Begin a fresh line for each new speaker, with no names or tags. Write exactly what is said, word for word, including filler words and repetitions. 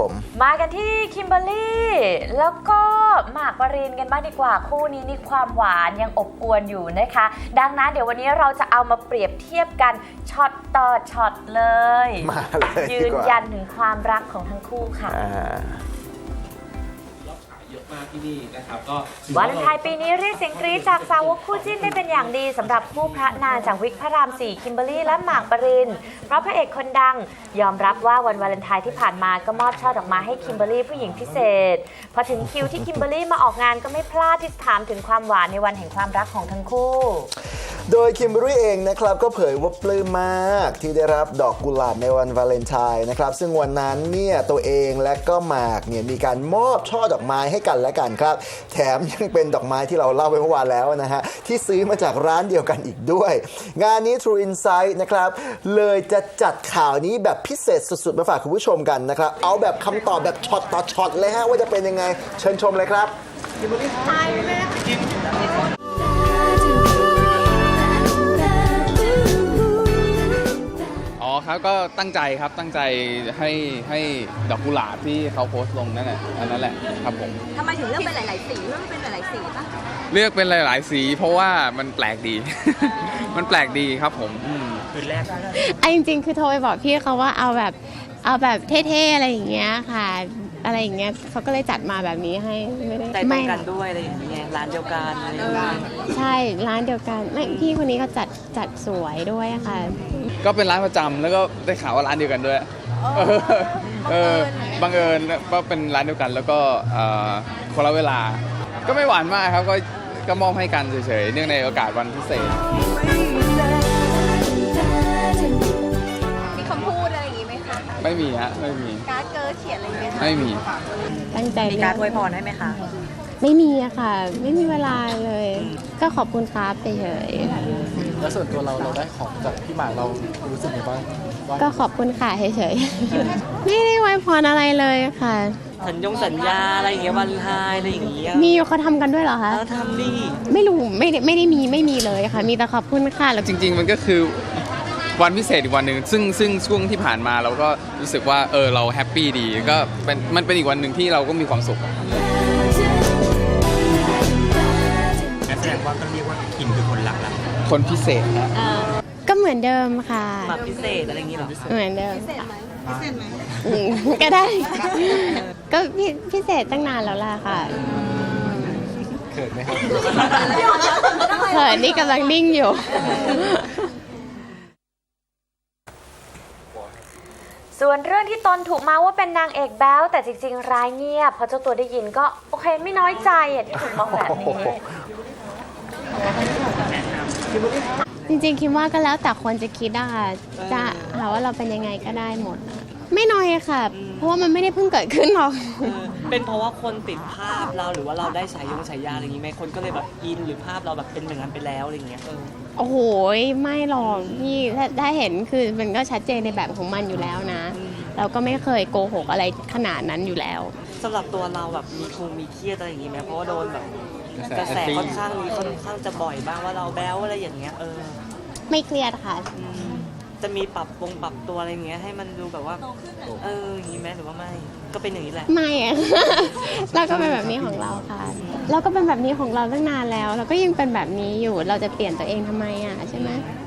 ผม
มากันที่คิมเบอร์รี่แล้วก็หมากปรินกันบ้างดีกว่าคู่นี้นี่ความหวานยังอบอวลอยู่นะคะดังนั้นเดี๋ยววันนี้เราจะเอามาเปรียบเทียบกันช็อตต่อช็อตเลย
มาเลย
ยืนยันถึงความรักของทั้งคู่ค่ะ
ที่นี่นะครับก็
วาเลนไทน์ปีนี้เรียกเสียงกรี๊ดจากสาวกคู่จิ้นได้เป็นอย่างดีสำหรับคู่พระนางจากวิกพระรามสี่คิมเบอร์รี่และหมากปรินเพราะพระเอกคนดังยอมรับว่าวันวาเลนไทน์ที่ผ่านมาก็มอบช่อดอกไม้ให้คิมเบอร์รี่ผู้หญิงพิเศษพอถึงคิวที่คิมเบอร์รี่มาออกงานก็ไม่พลาดที่จะถามถึงความหวานในวันแห่งความรักของทั้งคู่
โดยคิมเบอร์รี่เองนะครับก็เผยว่าปลื้มมากที่ได้รับดอกกุหลาบในวันวาเลนไทน์นะครับซึ่งวันนั้นเนี่ยตัวเองและก็หมากเนี่ยมีการมอบช่อดอกไม้ให้กันและกันครับแถมยังเป็นดอกไม้ที่เราเล่าไปเมื่อวานแล้วนะฮะที่ซื้อมาจากร้านเดียวกันอีกด้วยงานนี้ True Insight นะครับเลยจะจัดข่าวนี้แบบพิเศษสุดๆมาฝากคุณผู้ชมกันนะครับเอาแบบคำตอบแบบช็อตต่อช็อตเลยฮะว่าจะเป็นยังไงเชิญชมเลยครับคิมเบอร์รี่ไทยไหม
ครับก็ตั้งใจครับตั้งใจให้ให้ดอกกุหลาบที่เขาโพสต์ลงนั่นแหละอันนั้นแหละครับผม
ทำไมถึงเลือกเป็นหลายๆสีเลือกเป็นหลายๆสีป่ะ
เลือกเป็นหลายๆสีเพราะว่ามันแปลกดี มันแปลกดีครับผมคืนแรก
ไอ้จริงๆคือโทรไปบอกพี่เขาว่าเอาแบบเอาแบบเท่ๆอะไรอย่างเงี้ยค่ะอะไรอย่างเงี้ยเขาก็เลยจัดมาแบบนี้ให้ไม่ได้
ใจตรงกันด้วยอะไรอย่างเงี้ยร้านเดียวกันอะไรอย่างเงี้ย
ใช่ร้านเดียวกันไม่พี่คนนี้เขาจัดจัดสวยด้วยค่ะ
ก็เป็นร้านประจำแล้วก็ได้ข่าวว่าร้านเดียวกันด้วยเออบังเอิญก็เป็นร้านเดียวกันแล้วก็คนละเวลาก็ไม่หวานมากครับก็ก็มอบให้กันเฉยๆเนื่องในโอกาสวันพิเศษ
มีคำพูดอะไรอย่างงี้ไหมคะ
ไม่มีฮะไม่มี
การ์ดเกิร์ลเขียนอะไรไหมคะ
ไม่มี
ตั้งใจ
มีการอวยพรให้ไหมคะ
ไม่มีอะค่ะไม่มีเวลาเลยก็ขอบคุณครับเฉย
ๆแล้วส่วนตัวเราเราได้ของจากพี่หมากเรารู้สึกยังไงบ้าง
ก็ขอบคุณค่ะเฉยๆไม่ได้อวยพรอะไรเลยค่ะ
สัญญงสัญญาอะไรอย่างเงี้ยวันไทน์อะไรอย่างเงี้ย
มีเขาทำกันด้วยเหรอคะ
ทำดิ
ไม่รู้ไม่ได้ไม่ได้มีไม่มีเลยค่ะมีแต่ขอบคุณค่ะ
แล้วจริงๆมันก็คือวันพิเศษอีกวันหนึ่งซึ่งซึ่งช่วงที่ผ่านมาเราก็รู้สึกว่าเออเราแฮปปี้ดีก็เป็นมันเป็นอีกวันหนึ่งที่เราก็มีความสุข
แสดงว่าก็เรียกว่าคิมคือคนรักแล้ว
คนพิเศษนะ
ก็เหมือนเดิมค่ะ
แบบพิเศษอะไรอย่างงี้หรอ
เหมือนเดิม
พิเศษไหมพิเศษไหม
ก็ได้ก็พิเศษตั้งนานแล้วล่ะค่ะ
เขินไหมครับ
เขินนี่กำลังนิ่งอยู่
ส่วนเรื่องที่ตนถูกมาว่าเป็นนางเอกแบ๊วแต่จริงๆร้ายเงียบพอเจ้าตัวได้ยินก็โอเคไม่น้อยใจที่ถูกมองแบบนี้
จริงๆคิดว่าก็แล้วแต่คนจะคิดอะค่ะจะหาว่าเราเป็นยังไงก็ได้หมดไม่น้อยค่ะเพราะว่ามันไม่ได้เพิ่งเกิดขึ้นหรอก
เป็นเพราะว่าคนติดภาพเราหรือว่าเราได้ฉายงฉายาอะไรอย่างนี้ไหมคนก็เลยแบบอินหรือภาพเราแบบเป็นอย่างนั้นไปแล้วอะไรอย่างเงี้ย
โอ้โหไม่หรอกพี่ถ้าถ้าเห็นคือมันก็ชัดเจนในแบบของมันอยู่แล้วนะเราก็ไม่เคยโกหกอะไรขนาดนั้นอยู่แล้ว
สำหรับตัวเราแบบมีคงมีเครียดอะไรอย่างงี้ไหมเพราะว่าโดนแบบกระแสค่อนข้างมีค่อนข้างจะบ่อยบ้างว่าเราแบ๊วอะไรอย่างเงี้ยเออ
ไม่เครียดค่ะ
จะมีปรับปรุงปรับตัวอะไรอย่างเงี้ยให้มันดูแบบว่าเอออย่างงี้ไหมหรือว่าไม่ก็เป็นอย่างนี้แหละ
ไม่อะเราก็เป็นแบบนี้ของเราค่ะเราก็เป็นแบบนี้ของเราตั้งนานแล้วเราก็ยังเป็นแบบนี้อยู่เราจะเปลี่ยนตัวเองทำไมอ่ะใช่ไหม